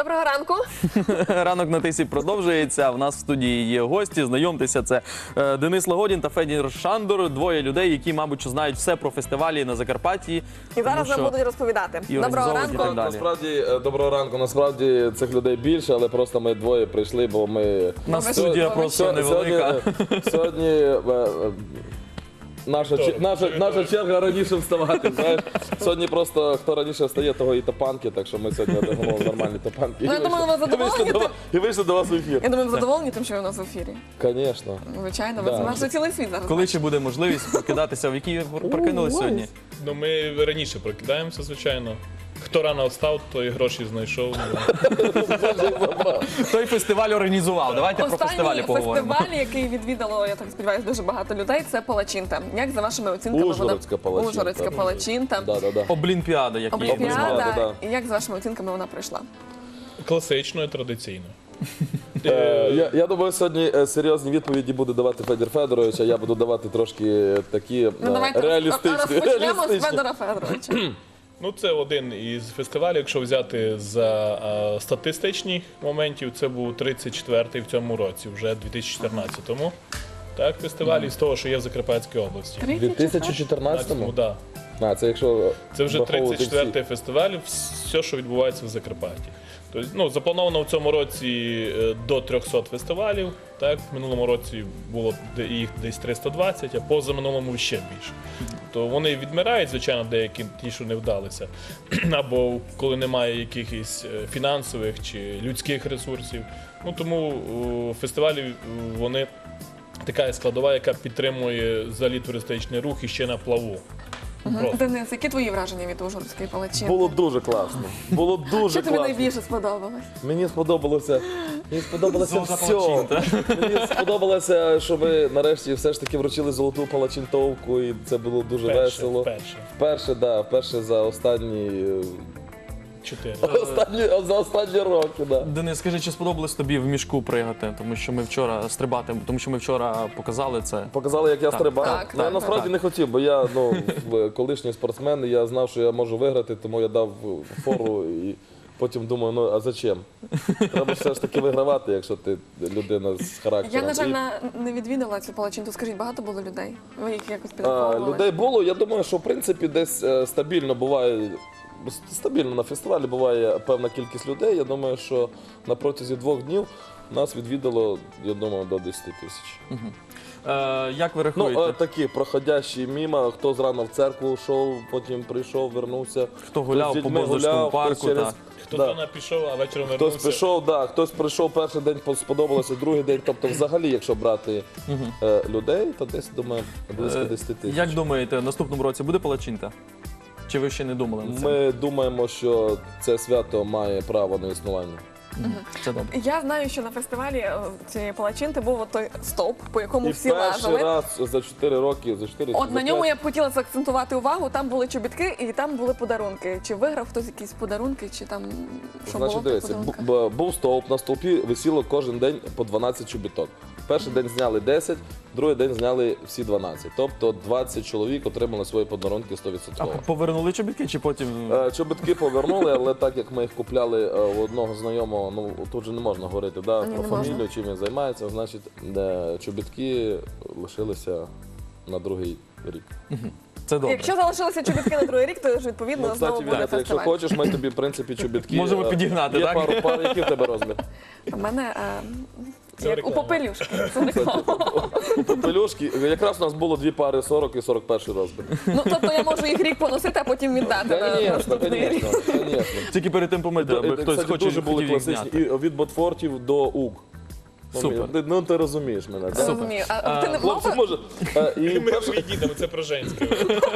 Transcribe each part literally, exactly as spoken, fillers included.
Доброго ранку. Ранок на тисі продовжується. В нас в студії є гості. Знайомтеся, це е, Денис Лагодін та Федір Шандор. Двоє людей, які, мабуть, знають все про фестивалі на Закарпатті. І зараз нам будуть розповідати. і Доброго організовувати ранку. і так далі. Насправді, е, доброго ранку. Насправді цих людей більше, але просто ми двоє прийшли, бо ми... У нас Ми студія сьогодні- просто Сьогодні, невелика. е, сьогодні е, е, наша, чер- наша, наша черга раніше вставати. Знаєш? Сьогодні просто хто раніше встає, того і топанки, так що ми сьогодні одягнули нормальні топанки. Ну, я І думаю, вийшли- ви задоволені і вийшли до- тим? І вийшли до вас в ефір. Я думаю, ви задоволені тим, що ви у нас в ефірі. Звісно. Звичайно, ви Да. знаєте, цілий світ зараз. Коли ще буде можливість прокидатися, в якій ви прокинулись сьогодні? Ну, ми раніше прокидаємося, звичайно. Хто рано встав, той гроші знайшов. Той фестиваль організував. Давайте про фестивалі Останній поговоримо. фестиваль, який відвідало, я так сподіваюся, дуже багато людей, це Палачинта. Як за вашими оцінками Ужгородська Палачинта. Ужгородська Палачинта. Да, да, да. Облімпіада, як її Олімпіада. назвали. да. І як за вашими оцінками вона пройшла? Класично і традиційно. Е, Я, я думаю, сьогодні е, серйозні відповіді буде давати Федір Федорович, а я буду давати трошки такі е, Ну давайте реалістичні. розпочнемо з реалістичні. Федора Федоровича. Ну, це один із фестивалів, якщо взяти за е, статистичних моментів, це був тридцять четвертий в цьому році, вже дві тисячі чотирнадцятому. Так, фестиваль із того, що є в Закарпатській області. У дві тисячі Ну, чотирнадцятому? да. А, це якщо Це вже враховувати тридцять четвертий всі. фестиваль, все, що відбувається в Закарпатті. Тобто, ну, заплановано в цьому році е, до триста фестивалів. Так? В минулому році було де- їх десь триста двадцять, а позаминулому ще більше. То вони відмирають, звичайно, деякі ті, що не вдалися. Або коли немає якихось е, фінансових чи людських ресурсів. Ну, тому о, фестивалі е, вони така складова, яка підтримує взагалі туристичний рух і ще на плаву. Просто. Денис, які твої враження від Ужгородської Палачинти? Було дуже класно. Було дуже Що тобі класно. найбільше сподобалось? Мені сподобалося. Мені сподобалося Золота все. палачинта. Мені сподобалося, що ви нарешті все ж таки вручили золоту палачинтовку, і це було дуже Вперше, весело. вперше. Вперше, да, вперше за останні е, Чотири. останні за останні роки, да. Денис, скажи, чи сподобалось тобі в мішку пригати? Тому що ми вчора стрибати, тому що ми вчора показали це. Показали, як я Так, стрибав. так, Ну, я так, насправді так. не хотів, бо я ну, в- колишній спортсмен, і я знав, що я можу виграти, тому я дав фору і потім думаю, ну а зачем? Треба все ж таки вигравати, якщо ти людина з характером. Я, на жаль, І, на- не відвідала цю Палачинту. Скажіть, багато було людей? Ви їх якось а, підраховували? людей було. Я думаю, що в принципі десь е, стабільно буває. Стабільно на фестивалі буває певна кількість людей. Я думаю, що на протязі двох днів нас відвідало, я думаю, до десяти тисяч. Е, як ви Ну, рахуєте? е, такі проходящі міма, хто зрано в церкву йшов, потім прийшов, вернувся. Хто гуляв з по дітьми Боздорському гуляв, хтось парку, через- так. Хто Да. рано пішов, а вечором Хтось вернувся. прийшов, да, хтось прийшов перший день, сподобалося, другий день. Тобто, взагалі, якщо брати е, людей, то десь думаю близько Е, десяти тисяч. Як думаєте, наступному році буде палачинта? Чи ви ще не думали над цим? Ми думаємо, що це свято має право на існування. Це добре. Я знаю, що на фестивалі е, цієї Палачинти був от той стовп, по якому І всі перший лазили. раз за чотири роки, за чотири От за на ньому п'ять, я б хотіла заакцентувати увагу. Там були чобітки і там були подарунки. Чи виграв хтось якісь подарунки, чи там що було Значить, в тих дивіться, подарунках? бу- був стовп, на стовпі висіло кожен день по дванадцять чобіток. Перший день зняли десять, другий день зняли всі дванадцять. Тобто двадцять чоловік отримали свої подарунки сто А відсотків. повернули чобітки чи потім? Е, Чобітки повернули, але так як ми їх купляли е, у одного знайомого, ну тут же не можна говорити да, Ні, про не фамілію, можна. чим він займається, значить, е, чобітки лишилися на другий рік. Це добре. Якщо залишилися чобітки на другий рік, то ж відповідно Ну, знову кстати, буде Віолетта, якщо фестиваль. хочеш, ми тобі, в принципі, чобітки. Можемо е, підігнати, є так? пару пар, який в тебе розмір? У мене е, Це як у реклама. попелюшки. Це реклама. У попелюшки. Якраз у нас було дві пари сорок і сорок перший розмір. Ну тобто я можу їх рік поносити, а потім віддати на Звісно, наступний рік. звісно, звісно. Тільки перед тим помити, аби Е, хтось кстати, хоче дуже були хотів їх класичні. зняти. І від Ботфортів до УГ. Ну, Супер. ти- Ну, ти розумієш мене, так? Розумію. А ти не Хлопці, мав? може. е, І Ми перший, відійдемо, це про женське.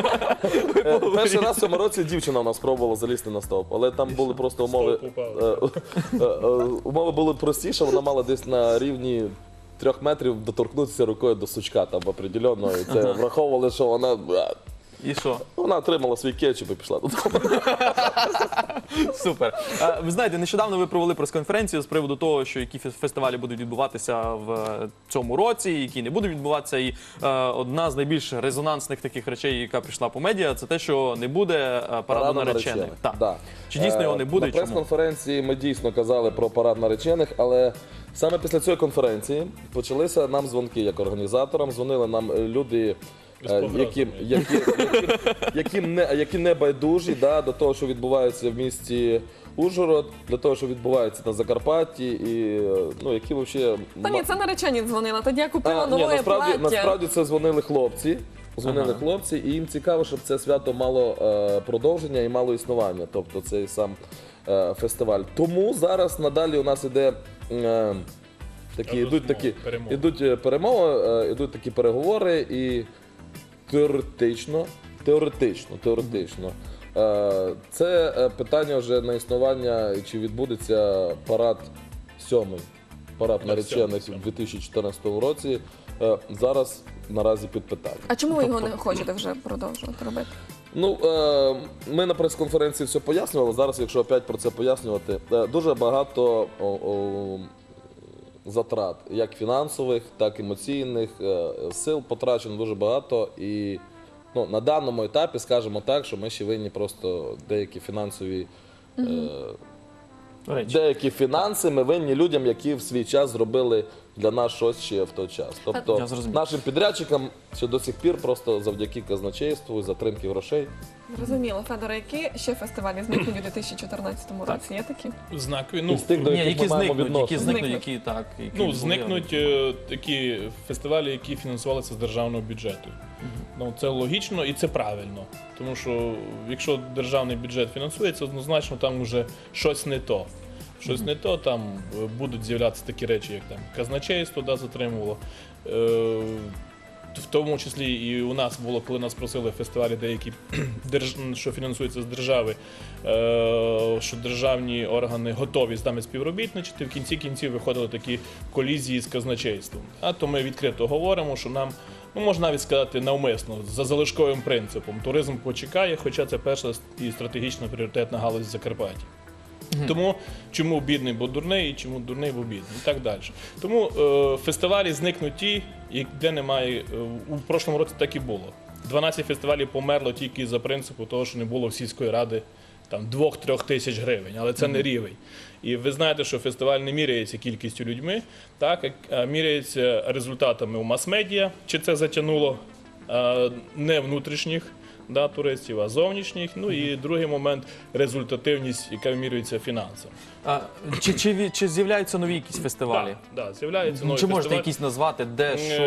е, перший раз в цьому році дівчина у нас пробувала залізти на стовп, але там були просто умови. Стовп упав. е, е, е, Умови були простіше, вона мала десь на рівні трьох метрів доторкнутися рукою до сучка там определенного. І це враховували, що вона. е, І що? Вона отримала свій кетчуп і пішла додому. Супер. Е, Ви знаєте, нещодавно ви провели прес-конференцію з приводу того, що які фес- фестивалі будуть відбуватися в е, цьому році, які не будуть відбуватися. І е, одна з найбільш резонансних таких речей, яка прийшла по медіа, це те, що не буде е, параду наречених. Так. Да. Чи дійсно його не Е, буде? На і чому? прес-конференції ми дійсно казали про парад наречених, але саме після цієї конференції почалися нам дзвонки як організаторам. Дзвонили нам е, люди, З е, погрозами. які, які, які, які, не, які не байдужі да, до того, що відбувається в місті Ужгород, для того, що відбувається на Закарпатті, і е, ну, які взагалі... Та ні, це наречені дзвонила. Тоді я купила А, ні, нове насправді, плаття. насправді це дзвонили хлопці. Дзвонили Ага. хлопці, і їм цікаво, щоб це свято мало е, продовження і мало існування, тобто цей сам е, фестиваль. Тому зараз надалі у нас іде е, такі, Розмови, ідуть такі перемови. ідуть е, перемови, е, ідуть такі переговори, і теоретично, теоретично, теоретично. е, Це е, питання вже на існування, чи відбудеться парад сьомий, парад Так, наречених сьомий, у дві тисячі чотирнадцятому році. Е, Зараз наразі під питанням. А чому ви його Тобто- не хочете вже продовжувати робити? Ну, е, ми на прес-конференції все пояснювали. Зараз, якщо опять про це пояснювати, е, дуже багато о, о, затрат, як фінансових, так і емоційних, е, сил потрачено дуже багато. І ну, на даному етапі, скажімо так, що ми ще винні просто деякі фінансові. Е, Речі. Деякі фінанси ми винні людям, які в свій час зробили для нас щось ще в той час. Я Тобто зрозумів. нашим підрядчикам ще до сих пір просто завдяки казначейству і затримки грошей. Зрозуміло, Федоре, які ще фестивалі зникнуть у дві тисячі чотирнадцятому році? Є такі? Знакові. Ну, Із тих, до Ні, яких які ми маємо зникнуть, які відношення. зникнуть, Зникнуть. які так. Які Ну, були. зникнуть е, такі фестивалі, які фінансувалися з державного бюджету. Ну, це логічно і це правильно. Тому що якщо державний бюджет фінансується, однозначно там вже щось не то. Щось не то, там е, будуть з'являтися такі речі, як там казначейство да, затримувало. Е, в тому числі і у нас було, коли нас просили фестивалі деякі, держ... що фінансуються з держави, е... що державні органи готові з нами співробітничати, в кінці кінців виходили такі колізії з казначейством. А то ми відкрито говоримо, що нам, ну можна навіть сказати навмисно, за залишковим принципом, туризм почекає, хоча це перша і стратегічна пріоритетна галузь в Закарпатті. Тому чому бідний, бо дурний, і чому дурний, бо бідний, і так далі. Тому е, фестивалі зникнуть ті, і де немає. Е, у прошлому році так і було. дванадцять фестивалів померло тільки за принципу того, що не було в сільської ради там двох-трьох тисяч гривень, але це не рівень. І ви знаєте, що фестиваль не міряється кількістю людьми, так, а міряється результатами у мас-медіа, чи це затягнуло е, не внутрішніх да, туристів, а зовнішніх. Ну і другий момент результативність, яка вимірюється фінансами. А, чи, чи, ві- чи з'являються нові якісь фестивалі? Так, да, з'являються нові Чи можете фестивалі. якісь назвати, де, що?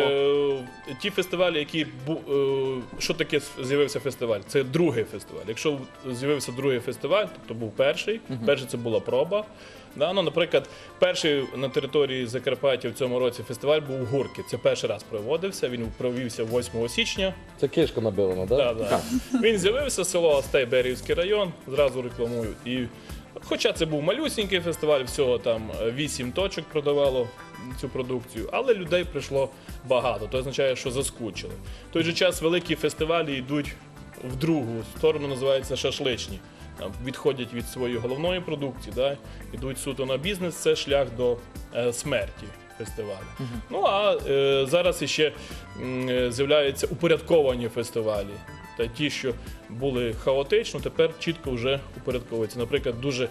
Е, Ті фестивалі, які бу- е, що таке з'явився фестиваль? Це другий фестиваль. Якщо з'явився другий фестиваль, то був перший. Перший це була проба. Да, ну, наприклад, перший на території Закарпаття в цьому році фестиваль був у Гурки. Це перший раз проводився. Він провівся восьмого січня. Це кишка набилена, да? Да, да. Він з'явився, село Астей, Берівський район, зразу рекламую. І, хоча це був малюсінький фестиваль, всього там вісім точок продавало цю продукцію, але людей прийшло багато. Це означає, що заскучили. В той же час великі фестивалі йдуть в другу сторону, називаються шашличні. Там відходять від своєї головної продукції, да, йдуть суто на бізнес, це шлях до е, смерті фестивалю. Ну а е, зараз іще м, е, з'являються упорядковані фестивалі. Та ті, що були хаотично, тепер чітко вже упорядковуються. Наприклад, дуже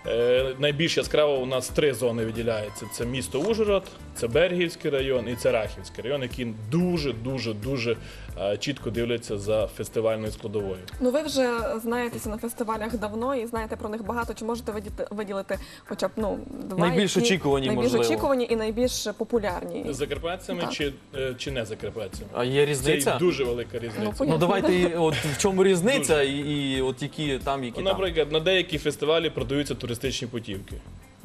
е, найбільш яскраво у нас три зони виділяються. Це місто Ужгород, це Берегівський район і це Рахівський район, які дуже-дуже-дуже е, чітко дивляться за фестивальною складовою. Ну ви вже знаєтеся на фестивалях давно і знаєте про них багато. Чи можете видіти- виділити хоча б ну, два Найбільш які- очікувані, найбільш можливо. очікувані і найбільш популярні? З закарпатцями Так. чи, е, чи не закарпатцями? А є Це різниця? дуже велика різниця. Ну, Ну давайте, і от в чому різниця і, і от які там, які Ну, там. наприклад, на деякі фестивалі продаються туристичні путівки.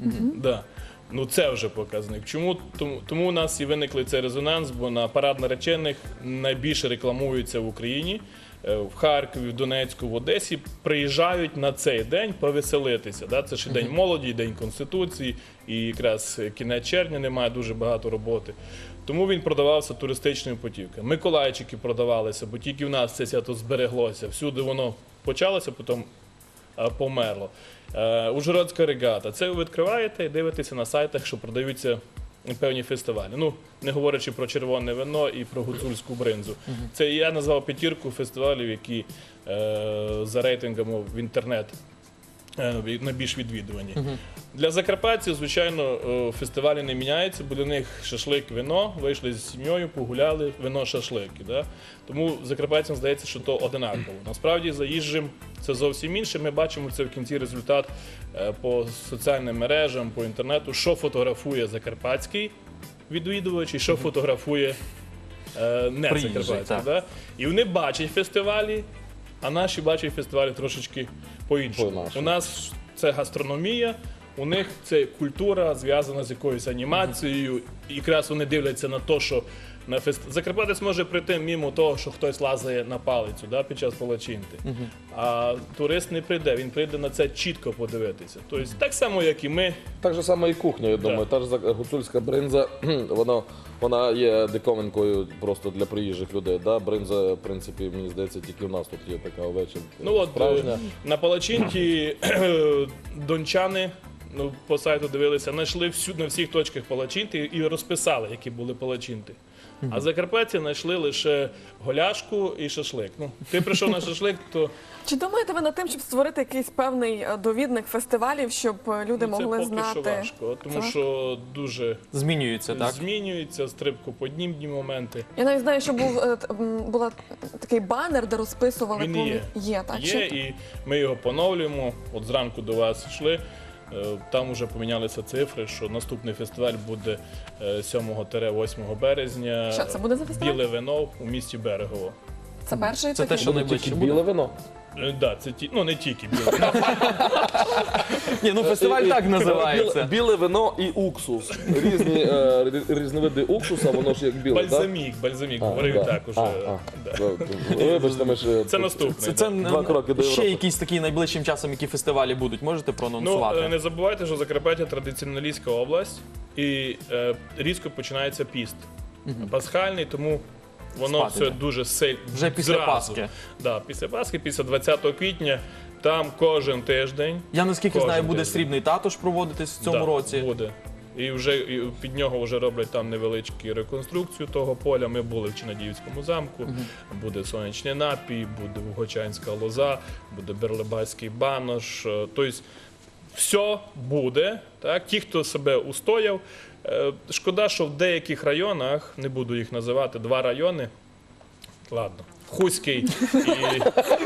Да. Ну це вже показник. Чому? Тому, тому у нас і виникли цей резонанс, бо на парад наречених найбільше рекламується в Україні е, в Харкові, в Донецьку, в Одесі приїжджають на цей день повеселитися. Да? Це ж і День молоді, і День Конституції, і якраз кінець червня немає дуже багато роботи. Тому він продавався туристичною путівкою. Миколайчики продавалися, бо тільки в нас це свято збереглося. Всюди воно почалося, потім е, померло. Е, Ужгородська регата. Це ви відкриваєте і дивитеся на сайтах, що продаються певні фестивалі. Ну, не говорячи про червоне вино і про гуцульську бринзу. Це я назвав п'ятірку фестивалів, які е, за рейтингами в інтернет е, найбільш відвідувані. Для закарпатців, звичайно, е, фестивалі не міняються, бо для них шашлик, вино, вийшли з сім'єю, погуляли, вино, шашлики. Да? Тому закарпатцям здається, що то одинаково. Насправді, заїжджим це зовсім інше. Ми бачимо це в кінці результат е, по соціальним мережам, по інтернету, що фотографує закарпатський відвідувач і що фотографує е, не Приїжджий, закарпатський. так. Да? І вони бачать фестивалі, а наші бачать фестивалі трошечки по-іншому. По-нашому. У нас це гастрономія, у них це культура зв'язана з якоюсь анімацією. І якраз вони дивляться на те, що на фест... Закарпатець може прийти мимо того, що хтось лазає на палицю, да, під час палачинти. А турист не прийде, він прийде на це чітко подивитися. Тобто так само, як і ми. Так же само і кухня, я думаю. Та ж за- гуцульська бринза, вона, вона є диковинкою просто для приїжджих людей. Да? Бринза, в принципі, мені здається, тільки в нас тут є така овеча. Ну от справжня. е, на палачинті дончани, ну, по сайту дивилися, знайшли всю, на всіх точках палачинти і розписали, які були палачинти. А закарпатці знайшли лише голяшку і шашлик. Ну, ти прийшов на шашлик, то Чи думаєте ви над тим, щоб створити якийсь певний е, довідник фестивалів, щоб е, люди ну, це могли поки знати? що важко, тому Це що дуже Змінюється, так? змінюються стрибкоподібні моменти. Я навіть знаю, що був е, т- м, була такий банер, де розписували Він повні- є. Є, так. Є, Чи- і ми його поновлюємо. От зранку до вас йшли. е, Там вже помінялися цифри, що наступний фестиваль буде е, сьомого-восьмого березня. Що це буде за фестиваль? Біле вино у місті Берегово. Це перший Це те, такий? що Буде найближче тільки буде. біле вино. Е, Да, це ті, ну не тільки біле вино. Ні, ну фестиваль І- і- так Біле, називається. біле вино і уксус. Різні е, рі- різновиди уксуса, воно ж як біле, так? Бальзамік, бальзамік, говорив так уже. А, а. Да. Вибачте, ми ж... Це наступний. Це, да. це Два кроки до ще Європи. якісь такі найближчим часом, які фестивалі будуть, можете Ну, проанонсувати? е, не забувайте, що Закарпаття традиціоналістська область, і е, різко починається піст. Пасхальний, тому воно Спати все йде. дуже сильно. Вже після Пасхи. Да, після Пасхи, після двадцятого квітня, там кожен тиждень. Я наскільки Кожен знаю, буде тиждень. срібний татуш проводитись в цьому да, році. Буде. І вже і під нього вже роблять там невеличку реконструкцію того поля. Ми були в Чинадіївському замку, буде сонячний напій, буде Вугочанська лоза, буде Берлебайський банош. Е, Тобто все буде. Так? Ті, хто себе устояв. Е, Шкода, що в деяких районах, не буду їх називати, два райони. Ладно. Хуський і,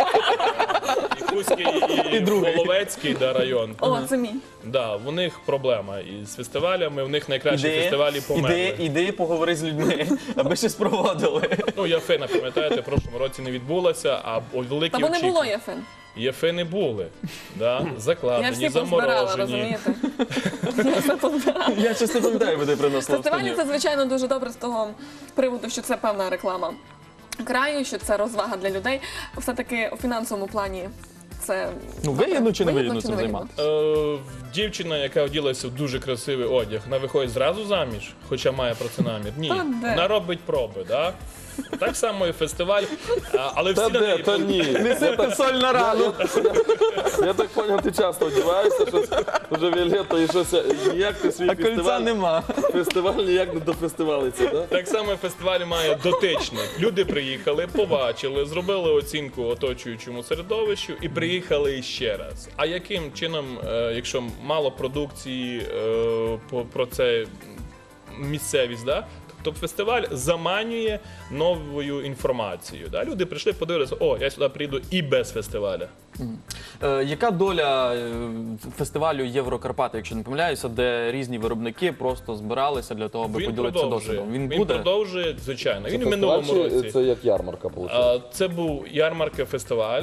і, Хуський, і, І другий. Воловецький да, район. О, це мій. Да, в них проблема із фестивалями, в них найкращі Іди, фестивалі померли. іди, іди, поговори з людьми, аби щось проводили. Ну, Яфина, пам'ятаєте, в прошлому році не відбулася, а о, великі Та бо не було очікування. Єфин. Єфини були, да, Я закладені, всі позбирала, заморожені. розумієте? Я все позбирала. Я щось не пам'ятаю, де ти принесла в Фестивалі студію. це, звичайно, дуже добре з того приводу, що це певна реклама краю, що це розвага для людей. Все-таки у фінансовому плані це Ну, вигідно чи не вигідно цим займатися? Е, дівчина, яка оділася в дуже красивий одяг, вона виходить зразу заміж, хоча має про це намір. Ні, Та де? вона робить проби, да? Так само і фестиваль, а, але всі Та на де, неї та ні. Не сипте соль на рану. Я так зрозумів, ти часто одягаєшся, щось вже Віолетта і щось, ніяк ти свій А кольця фестиваль, нема. фестиваль ніяк не дофестивалиться, так? Так само фестиваль має дотичник. Люди приїхали, побачили, зробили оцінку оточуючому середовищу і приїхали ще раз. А яким чином, е, якщо мало продукції е, по- про це місцевість, да? Тобто фестиваль заманює новою інформацією. Да? Люди прийшли, подивилися, о, я сюди прийду і без фестиваля. Е, Яка доля е, фестивалю Єврокарпати, якщо не помиляюся, де різні виробники просто збиралися для того, аби Він поділитися продовжує. досвідом? Він Він буде? продовжує, звичайно. Він Це у минулому фестиваль чи році. Це як ярмарка, виходить? А, Це був ярмарка фестиваль. Так.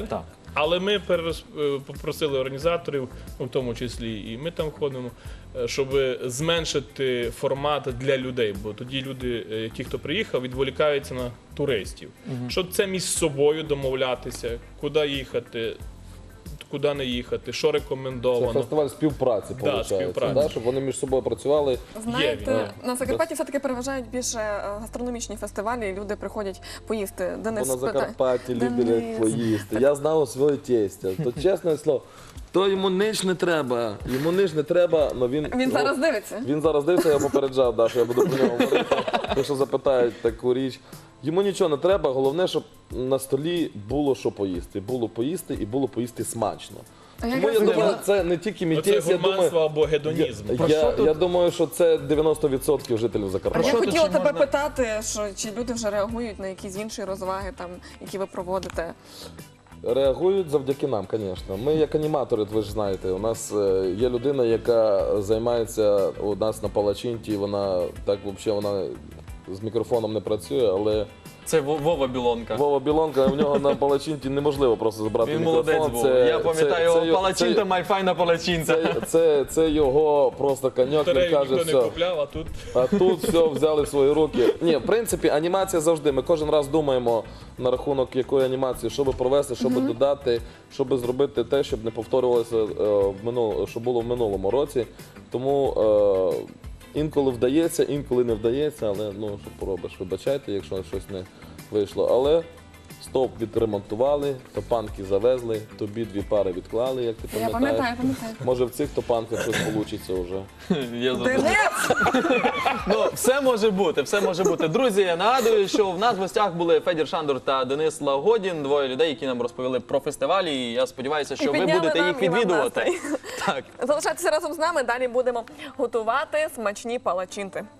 Але ми перерос- е, попросили організаторів, ну, в тому числі і ми там ходимо, е, щоб зменшити формат для людей, бо тоді люди, е, ті, хто приїхав, відволікаються на туристів. Щоб це між собою домовлятися, куди їхати, куди не їхати, що Це рекомендовано. фестиваль співпраці, Да, виходить, співпраці. да, щоб вони між собою працювали. Знаєте, він. на Закарпатті все-таки переважають більше е, гастрономічні фестивалі, і люди приходять поїсти. Бо Денис на спитає. Закарпатті люблять Денис. поїсти. Я знав своє тестя. То чесне слово, то йому нич не треба. Йому нич не треба, але він. Він зараз дивиться. Він зараз дивиться, я попереджав, да, що я буду про нього говорити. Якщо запитають таку річ. Йому нічого не треба, головне, щоб на столі було що поїсти. Було поїсти і було поїсти смачно. А я Тому я якраз думаю, хотіла- це не тільки Оце мітець, я гурманство думаю. або гедонізм. Я, Про я, що тут? я думаю, що це дев'яносто відсотків жителів А Закарпаття. я що тут хотіла ще тебе можна? питати, що чи люди вже реагують на якісь інші розваги, там, які ви проводите. Реагують завдяки нам, звісно. Ми як аніматори, ви ж знаєте, у нас е, є людина, яка займається у нас на Палачинті, вона так взагалі вона з мікрофоном не працює, але Це Во- Вова Білонка. Вова Білонка, у нього на Палачинті неможливо просто забрати Він мікрофон. молодець був. Це- Я пам'ятаю, це- його це- палачинта, майфайна палачинця. Це, це, це його просто коньок, він Батарею каже, ніхто не все. купляв, а тут А тут все взяли в свої руки. Ні, в принципі, анімація завжди. Ми кожен раз думаємо на рахунок якої анімації, що би провести, що би додати, що би зробити те, щоб не повторювалося е, в минул, що було в минулому році. Тому е, інколи вдається, інколи не вдається, але ну що поробиш, вибачайте, якщо щось не вийшло. Але стовп відремонтували, топанки завезли, тобі дві пари відклали, як ти Я пам'ятаєш. пам'ятаю, пам'ятаю. Може в цих топанках щось вийде вже. Я задумав. Денис! Ну, все може бути, все може бути. Друзі, я нагадую, що в нас в гостях були Федір Шандор та Денис Лагодін, двоє людей, які нам розповіли про фестивалі. І я сподіваюся, що ви підняли будете нам їх і вам відвідувати. настрій. Так. Залишайтеся разом з нами, далі будемо готувати смачні палачинти.